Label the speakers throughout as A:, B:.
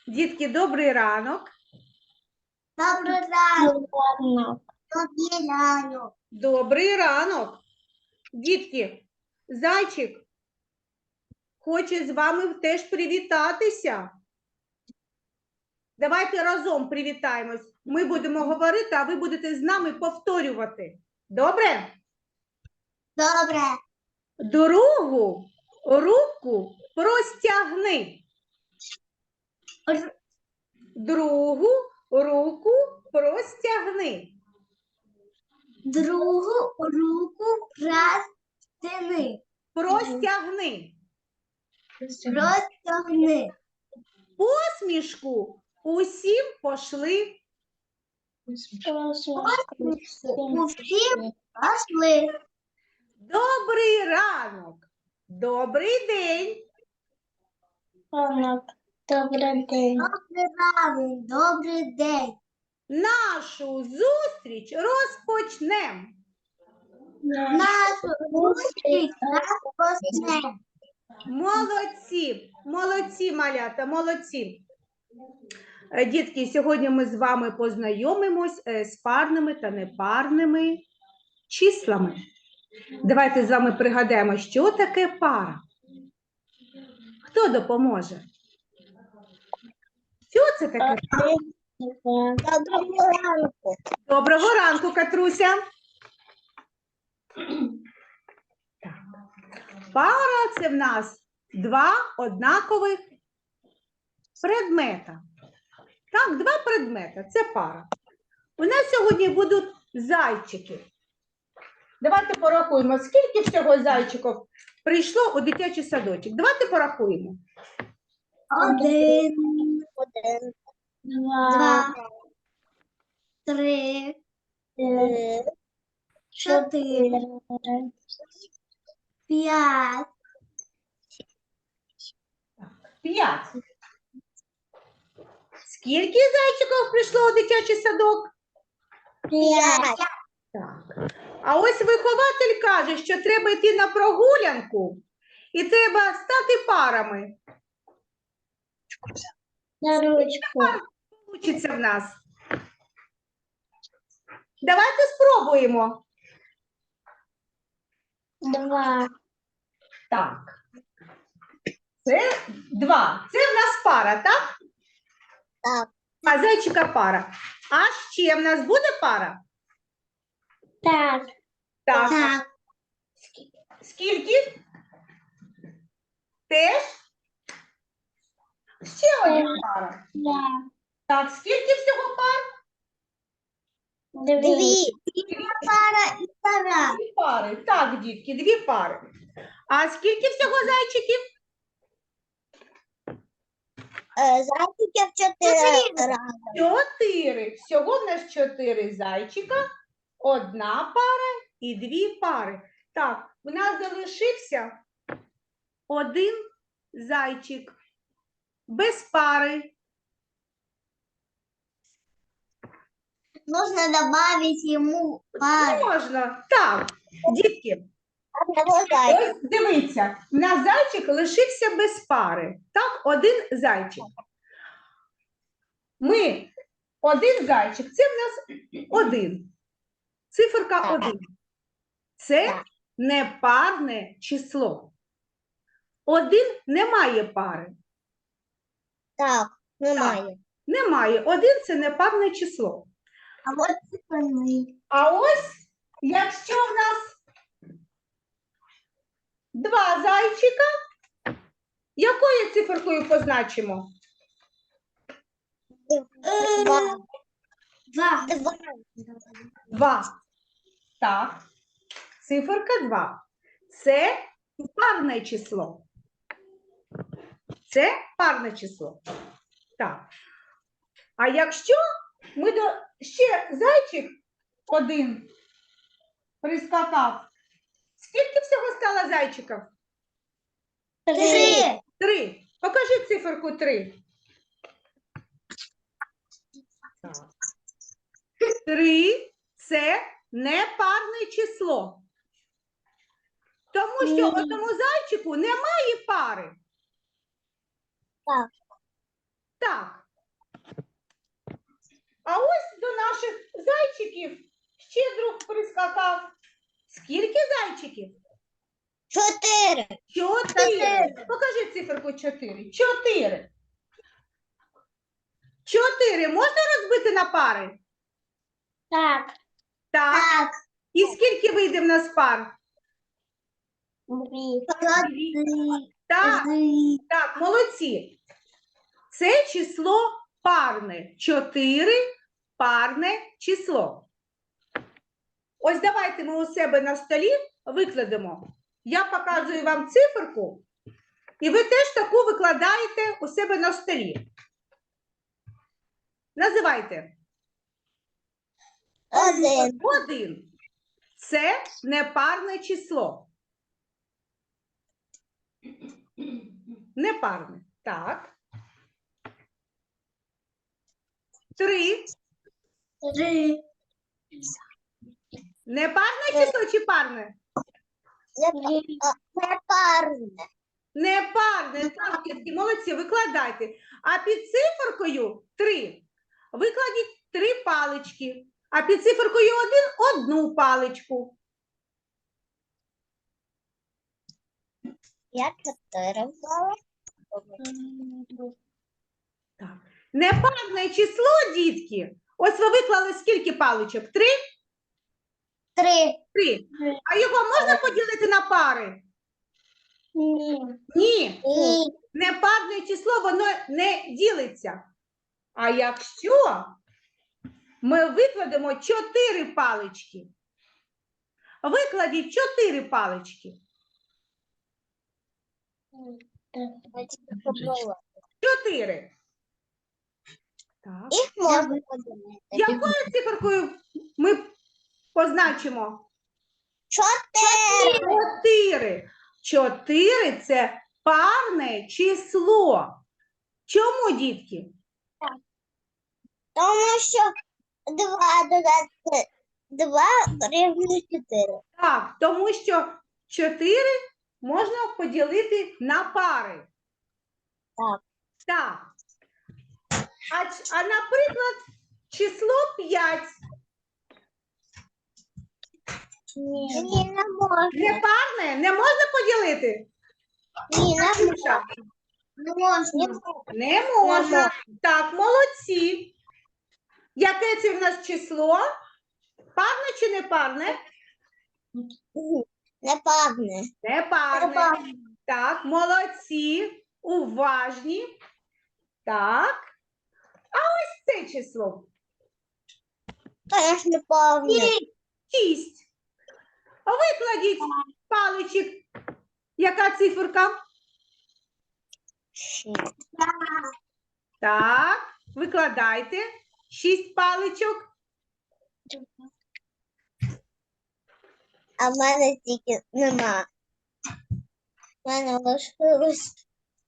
A: Дітки, добрий ранок.
B: Добрий ранок. Добрий ранок.
A: Добрий ранок. Дітки, зайчик хоче з вами теж привітатися. Давайте разом привітаємось. Ми будемо говорити, а ви будете з нами повторювати. Добре?
B: Добре.
A: Другу руку простягни. Другу руку простягни.
B: Другу руку простягни.
A: Простягни.
B: Простягни.
A: Посмішку усім пошли.
B: Усім пошли.
A: Добрий ранок. Добрий день.
B: Добрий день. Добрий ранок. Добрий день.
A: Нашу зустріч розпочнем.
B: Нашу зустріч розпочнемо.
A: Молодці, молодці, малята, молодці. Дітки, сьогодні ми з вами познайомимось з парними та непарними числами. Давайте з вами пригадаємо, що таке пара. Хто допоможе? Що це таке пара?
B: Доброго ранку.
A: Доброго ранку, Катруся. Так. Пара – це в нас два однакових предмета. Так, два предмета – це пара. У нас сьогодні будуть зайчики. Давайте порахуємо, скільки всього зайчиків прийшло у дитячий садочок. Давайте порахуємо.
B: Один. Два. Три. Чотири. П'ять.
A: 5. Скільки зайчиків прийшло у дитячий садок?
B: П'ять.
A: Так. А ось вихователь каже, що треба йти на прогулянку і треба стати парами.
B: На ручку.
A: Получиться в нас. Давайте спробуємо.
B: Два.
A: Так. Це 2. Це в нас пара, так?
B: Так.
A: А зайчика пара. А ще в нас буде пара?
B: Так.
A: Так.
B: Так.
A: Скільки? Теж? Ще одна пара. Так, скільки всього пар?
B: Дві. Пара і пара.
A: 2 пари. Так, дітки, 2 пари. А скільки всього зайчиків?
B: Зайчиків 4.
A: 4. Всього в нас 4 зайчика, 1 пара і 2 пари. Так, у нас залишився 1 зайчик без пари.
B: Нужно добавить ему пару.
A: Можна. Так, дітки,
B: Одного зайчика.
A: ось дивіться, у нас зайчик лишився без пари. Так, 1 зайчик. Ми 1 зайчик, це в нас 1. Циферка 1. Це непарне число. 1 не має пари.
B: Так, немає.
A: Немає. 1 – це непарне число.
B: А от циферний.
A: А ось, якщо в нас 2 зайчика, якою циферкою позначимо?
B: Два.
A: 2. Так. Циферка 2. Це парне число. Це парне число. Так. А якщо ми ще зайчик 1 прискакав, скільки всього стало зайчиків?
B: 3.
A: 3. Покажи циферку 3. 3 – це непарне число. Тому що одному зайчику немає пари.
B: Так.
A: Так. А ось до наших зайчиків ще друг прискакав. Скільки зайчиків?
B: 4.
A: 4. Покажи циферку 4. 4. 4 можна розбити на пари?
B: Так.
A: Так.
B: Так.
A: І скільки вийде в нас пар?
B: 2.
A: Так, так, молодці. Це число парне. 4 парне число. Ось давайте ми у себе на столі викладемо. Я показую вам циферку, і ви теж таку викладаєте у себе на столі. Називайте.
B: 1.
A: 1. Це непарне число. Непарне. Так. 3.
B: 3.
A: Непарне число чи парне?
B: Непарне.
A: Непарне. Так, дітки, молодці, викладайте. А під циферкою 3 викладіть 3 палички. А під циферкою 1 – 1 паличку.
B: Я 4 взяла.
A: Так. Непарне число, дітки. Ось ви виклали скільки паличок? 3?
B: 3.
A: 3. А його можна поділити на пари?
B: Ні.
A: Ні.
B: Ні.
A: Непарне число, воно не ділиться. А якщо ми викладемо 4 палички, викладіть 4 палички. 4. Так.
B: Їх можна поділити.
A: Якою циферкою ми позначимо?
B: 4.
A: 4. 4 – це парне число. Чому, дітки?
B: Тому що 2 додати 2 рівно 4.
A: Так, тому що 4 можна поділити на пари.
B: Так.
A: Так. А наприклад, число 5.
B: Ні, не можна.
A: Не парне? Не можна поділити?
B: Ні, не
A: Ксюша?
B: можна.
A: Не можна. Так, молодці. Яке це в нас число? Парне чи не парне?
B: Непарне.
A: Не парне. Так, молодці. Уважні. Так. А ось це число.
B: Теж неповне.
A: 6. Викладіть паличок. Яка циферка?
B: 6.
A: Так, викладайте. 6 паличок.
B: А в мене тільки нема. В мене лишилось.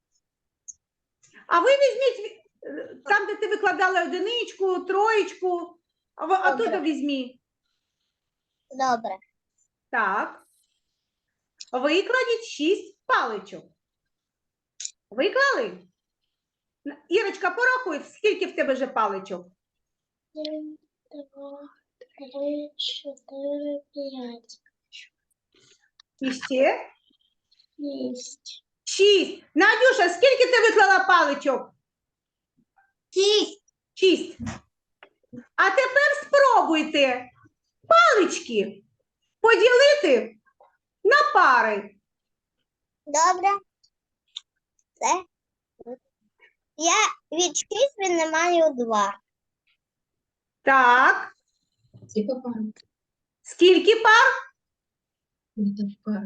A: А ви візьміть там, де ти викладала одиничку, троєчку, а
B: Добре.
A: тут візьміть.
B: Добре.
A: Так. Викладіть 6 паличок. Виклали? Ірочка, порахуй, скільки в тебе вже паличок?
B: 1, 2, 3, 4, 5.
A: І ще?
B: 6.
A: 6. Надюша, скільки ти виклала паличок?
B: 6.
A: 6. А тепер спробуйте палички поділити на пари.
B: Добре. Все. Я від 6 віднімаю 2.
A: Так.
C: Скільки пар?
A: Скільки пар?
C: Пар.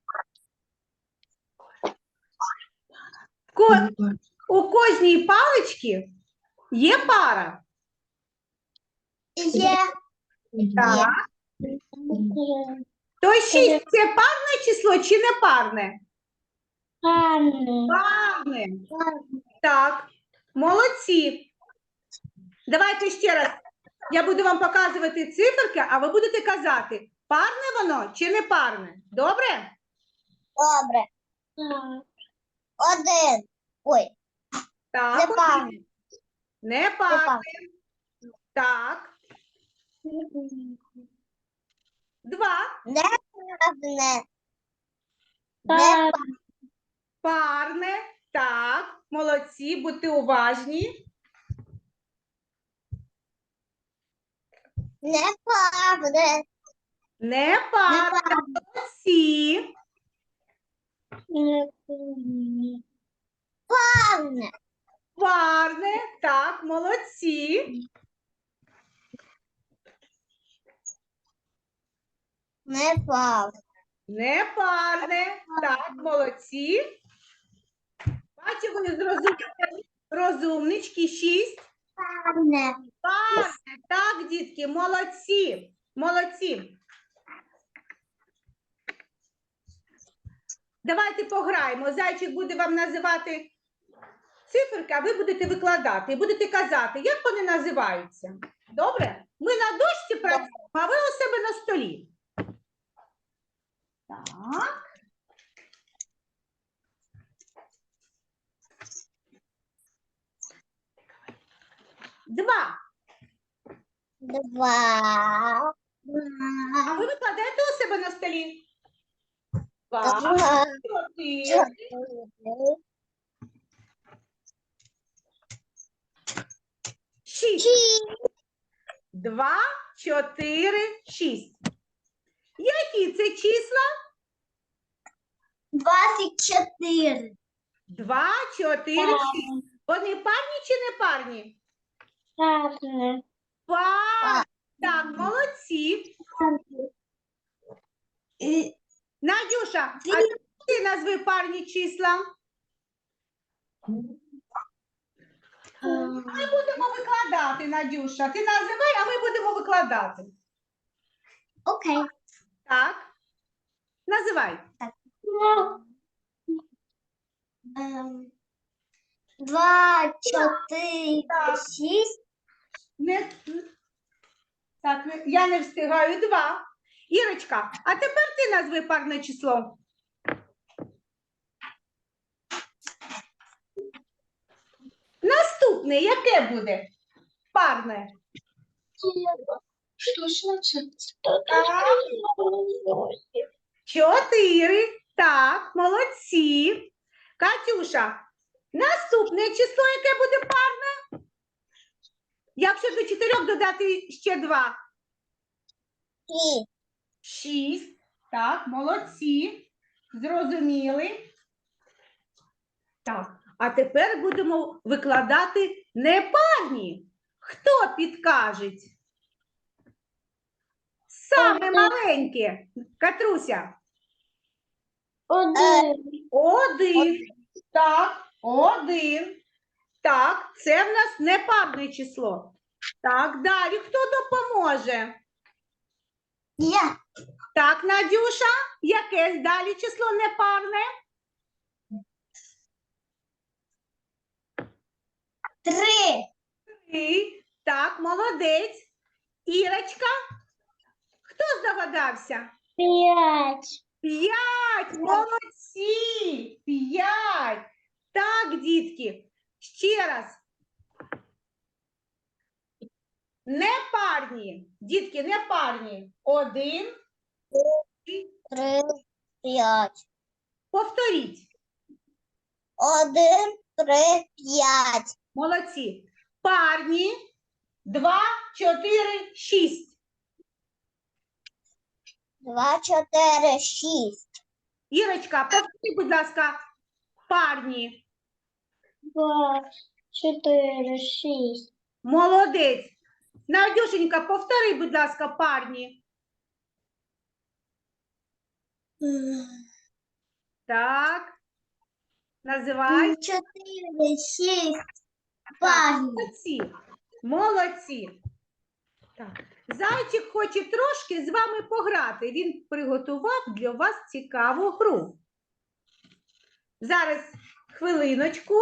A: У кожній паличці є пара.
B: Є.
A: Так. То 6 – це парне число чи не парне? Парне. Так, молодці. Давайте ще раз. Я буду вам показувати циферки, а ви будете казати, парне воно чи не парне. Добре?
B: Добре. 1. Ой,
A: Так.
B: непарне.
A: Не парне. Так. 2.
B: Неправильне.
A: Парне. Так. Молодці, будьте уважні.
B: Неправильне.
A: Не парне. Молодці.
B: Неправильне.
A: Парне. Так, молодці.
B: Неправильне.
A: Не парне. Так, молодці. Бачу, ви розумнички. 6. Парне. Так, дітки, молодці. Молодці. Давайте пограємо. Зайчик буде вам називати циферки, а ви будете викладати. І будете казати, як вони називаються. Добре? Ми на дошці працюємо, а ви у себе на столі. Так. Два.
B: Два.
A: А ви викладаєте у себе на столі? Два.
B: Два.
A: 4. 6. 2, 4, 6. Які це числа?
B: 24.
A: 2, 4, 6. Вони парні чи не парні?
B: Правильне.
A: Парні. Так, молодці. Надюша, а ти назви парні числа? Ми будемо викладати, Надюша. Ти називай, а ми будемо викладати.
B: Окей.
A: Так. Називай.
B: 2, 4,
A: Так.
B: 6.
A: Не... Так, я не встигаю. 2. Ірочка, а тепер ти назви парне число. Наступне, яке буде? Парне.
C: Что значит?
A: 4. Так, молодці. Катюша, наступне число, яке буде парне? Якщо до 4 додати ще 2. 6. Так, молодці. Зрозуміли. Так, а тепер будемо викладати непарні. Хто підкаже? Саме маленьке. Катруся. 1. Так, 1. Так, це в нас непарне число. Так, далі хто допоможе?
B: Я.
A: Так, Надюша, яке далі число непарне?
B: 3.
A: 3. Так, молодець. Ірочка, хто здогадався?
B: 5.
A: 5. Молодці. 5. Так, дітки, ще раз. Непарні. Дітки, непарні. 1.
B: 3, 5.
A: Повторіть.
B: 1, 3, 5.
A: Молодці. Парні. 2, 4, 6.
B: 2, 4, 6.
A: Ірочка, повтори, будь ласка, парні.
B: 2, 4, 6.
A: Молодець. Надюшенька, повтори, будь ласка, парні. Так. Називай.
B: 4, 6. Парні.
A: Молодці. Молодці. Так. Зайчик хоче трошки з вами пограти. Він приготував для вас цікаву гру. Зараз хвилиночку.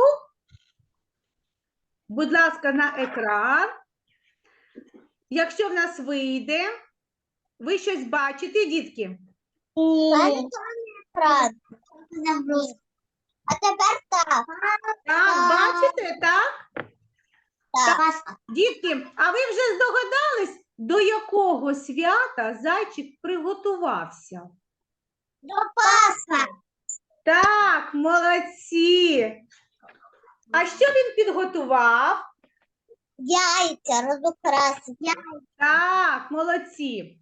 A: Будь ласка, на екран. Якщо в нас вийде, ви щось бачите, дітки?
B: А тепер так.
A: Так, бачите, так?
B: Пасха.
A: Дітки, а ви вже здогадались, до якого свята зайчик приготувався?
B: До Пасха.
A: Так, молодці. А що він підготував?
B: Яйця розукрасить.
A: Так, молодці.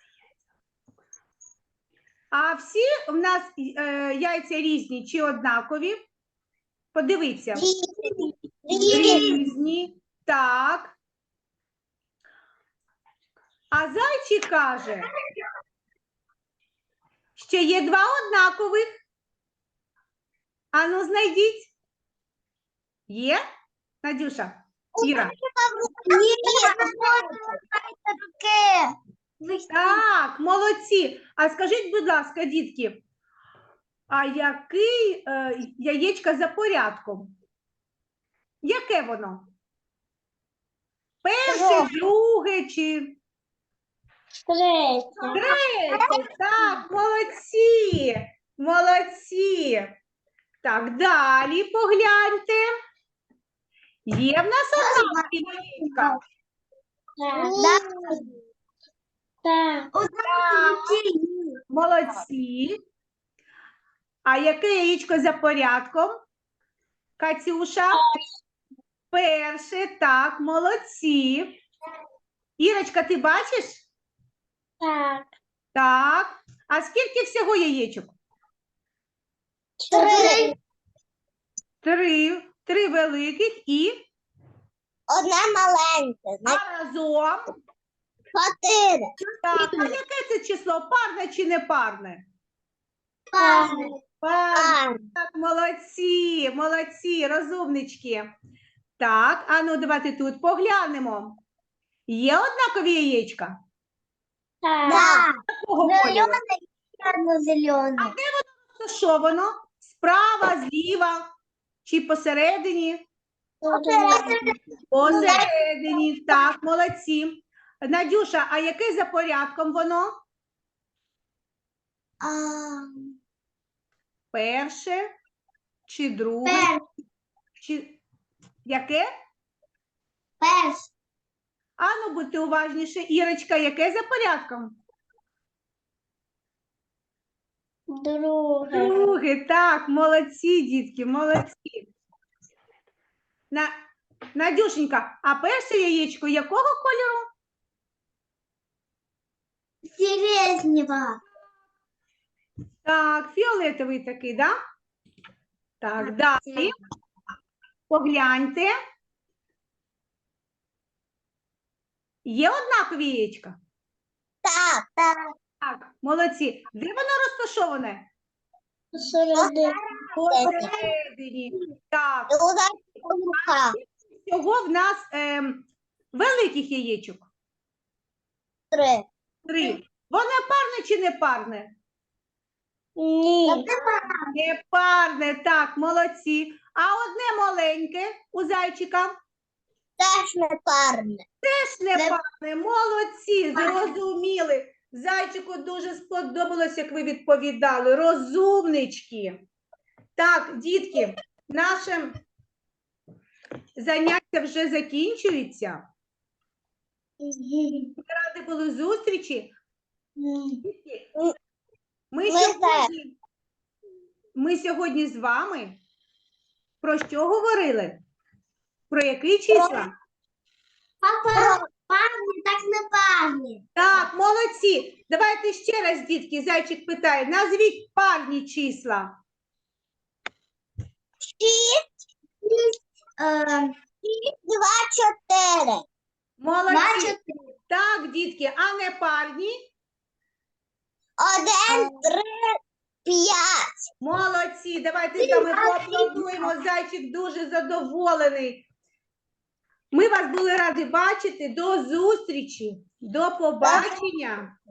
A: А всі в нас яйця різні чи однакові? Подивіться. Різні. Так. А зайчик каже, що є два однакових. Ану, знайдіть. Є? Надюша? Іра? Так, молодці. А скажіть, будь ласка, дітки, а який яєчко за порядком? Яке воно? Перше, друге чи третє? Так, молодці. Молодці. Так, далі погляньте. Є в нас одна яєчка. Молодці. А яке яєчко за порядком? Катюша? Перше, так, молодці. Ірочка, ти бачиш? Так. А скільки всього яєчок? Три великих і
B: Одне маленьке,
A: а разом.
B: 4.
A: Так, а яке це число? Парне чи не парне? Парне. Так, молодці, молодці, розумнички. Так, а ну давайте тут поглянемо. Є однакові яєчка? Такого кольору?
B: Зеленый.
A: То що воно? Справа, зліва чи посередині? Посередині, так, молодці. Надюша, а яке за порядком воно? Перше чи друге? Чи яке? Ану, будьте уважніше. Ірочка, яке за порядком? Друге, так, молодці, дітки, молодці. Надюшенька, а перше яєчко якого кольору?
B: Сиреневого.
A: Так, фіолетовий такий, да? Так, далі. Погляньте. Є однакові яєчка?
B: Так.
A: Так, молодці. Де воно розташоване? Посередині. Так, всього в нас великих яєчок. 3. Воно парне чи не парне? Не парне, так, молодці. А одне маленьке у зайчика?
B: Теж не парне.
A: Теж не парне, молодці, зрозуміли. Зайчику дуже сподобалось, як ви відповідали. Розумнички. Так, дітки, наше заняття вже закінчується. Ми раді були зустрічі. Дітки, Ми сьогодні з вами про що говорили? Про які числа?
B: Парні, так не парні.
A: Так, молодці. Давайте ще раз, дітки, зайчик питає. Назвіть парні числа.
B: 2, 4.
A: Молодці. Так, дітки, а не парні?
B: 1, 3, 5.
A: Молодці. Давайте з вами поаплодуємо. Зайчик дуже задоволений. Ми вас були раді бачити. До зустрічі. До побачення.